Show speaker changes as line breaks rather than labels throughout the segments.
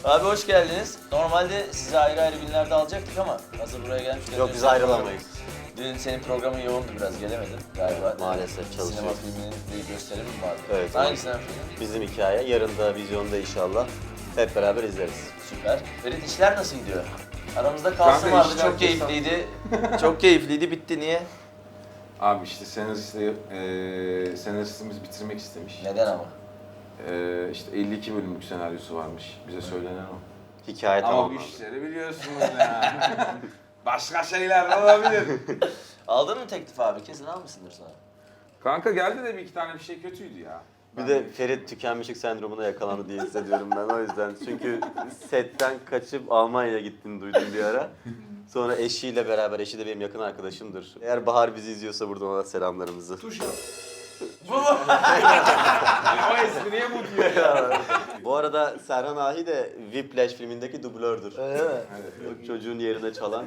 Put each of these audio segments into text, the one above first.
Abi hoş geldiniz. Normalde sizi ayrı ayrı günlerde alacaktık ama hazır buraya gelmişken...
Yok biz ayrılamayız.
Dün senin programın yoğundu biraz, gelemedin galiba.
Maalesef çalışıyoruz.
Sinema filminin bir gösterimi mi vardı?
Evet.
Hangi sinema filmi?
Bizim hikaye yarın da vizyonda inşallah hep beraber izleriz.
Süper. Ferit, işler nasıl gidiyor? Aramızda kalsın
Kanka,
vardı,
işler
çok keyifliydi. Çok keyifliydi, bitti. Niye?
Abi işte senaristimiz bitirmek istemiş.
Neden ama?
İşte 52 bölümlük senaryosu varmış. Bize söylenen o.
Hikaye
Ama
tamam.
bu işleri biliyorsunuz ya. Başka şeyler de olabilir.
Aldın mı teklif abi? Kesin almışsındır sonra.
Kanka geldi de bir iki tane bir şey kötüydü ya.
Bir de Ferit tükenmişlik sendromuna yakalandı diye hissediyorum ben o yüzden. Çünkü setten kaçıp Almanya'ya gittiğini duydum bir ara. Sonra eşiyle beraber, eşi de benim yakın arkadaşımdır. Eğer Bahar bizi izliyorsa buradan ona selamlarımızı.
Tuş yok. O espriye bu diyor ya.
Bu arada Serhan Ahi de Whiplash filmindeki dublördür.
Öyle mi?
O çocuğun yerine çalan.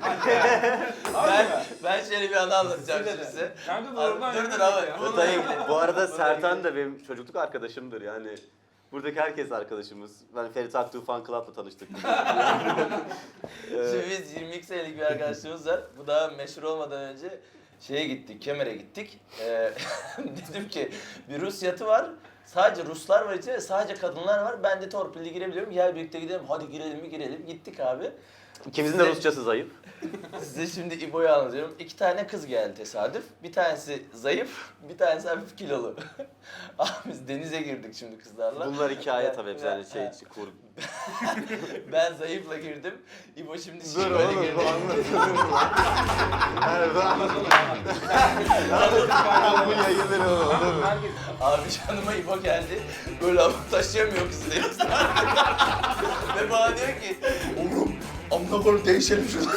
Ben şöyle bir anı anlatacağım şimdi size.
Kanka da oradan
Dur abi. Bununla ilgili.
Bu arada Sertan da benim çocukluk arkadaşımdır yani. Buradaki herkes arkadaşımız. Ben Ferit Aktuğ Fan Club'la tanıştık.
Şimdi biz 22 senelik bir arkadaşlığımız var. Bu daha meşhur olmadan önce şeye gittik, Kemer'e gittik. Dedim ki bir Rus yatı var. Sadece Ruslar var içinde, sadece kadınlar var. Ben de torpilli girebiliyorum. Gel birlikte gidelim. Hadi girelim mi girelim. Gittik abi.
İkimizin de Rusçası zayıf.
Size şimdi İbo'yu anlatıyorum. 2 tane kız geldi tesadüf. Bir tanesi zayıf, bir tanesi hafif kilolu. Abi biz denize girdik şimdi kızlarla.
Bunlar hikaye tabii hep yani şey kurgu.
Ben zayıfla girdim. İbo şimdi
Dur
şişkoyla
oğlum
girdi.
bu anlatıyorum. Bu yayınları oğlum.
Abi canıma İbo geldi. Böyle taşıyamıyor kızı deniz. Ve bana diyor ki, oğlum amına koyayım değişelim şunu.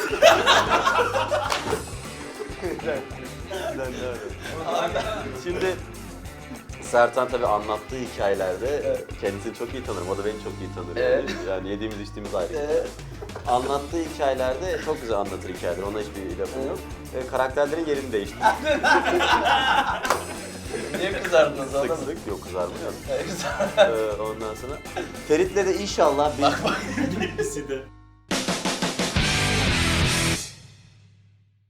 Şimdi Sertan tabii anlattığı hikayelerde kendisini çok iyi tanırım. O da beni çok iyi tanır.
Evet.
Yani yediğimiz içtiğimiz ayrı. Anlattığı hikayelerde çok güzel anlatır hikayeler. Ona hiçbir lafım yok. Karakterlerin yerini değişti.
Niye kızardınız
Sık
anladın mı?
sık yok kızarmıyor.
Kızardınız.
Ondan sonra Ferit'le de inşallah bir...
Bak bak.
İkisi de.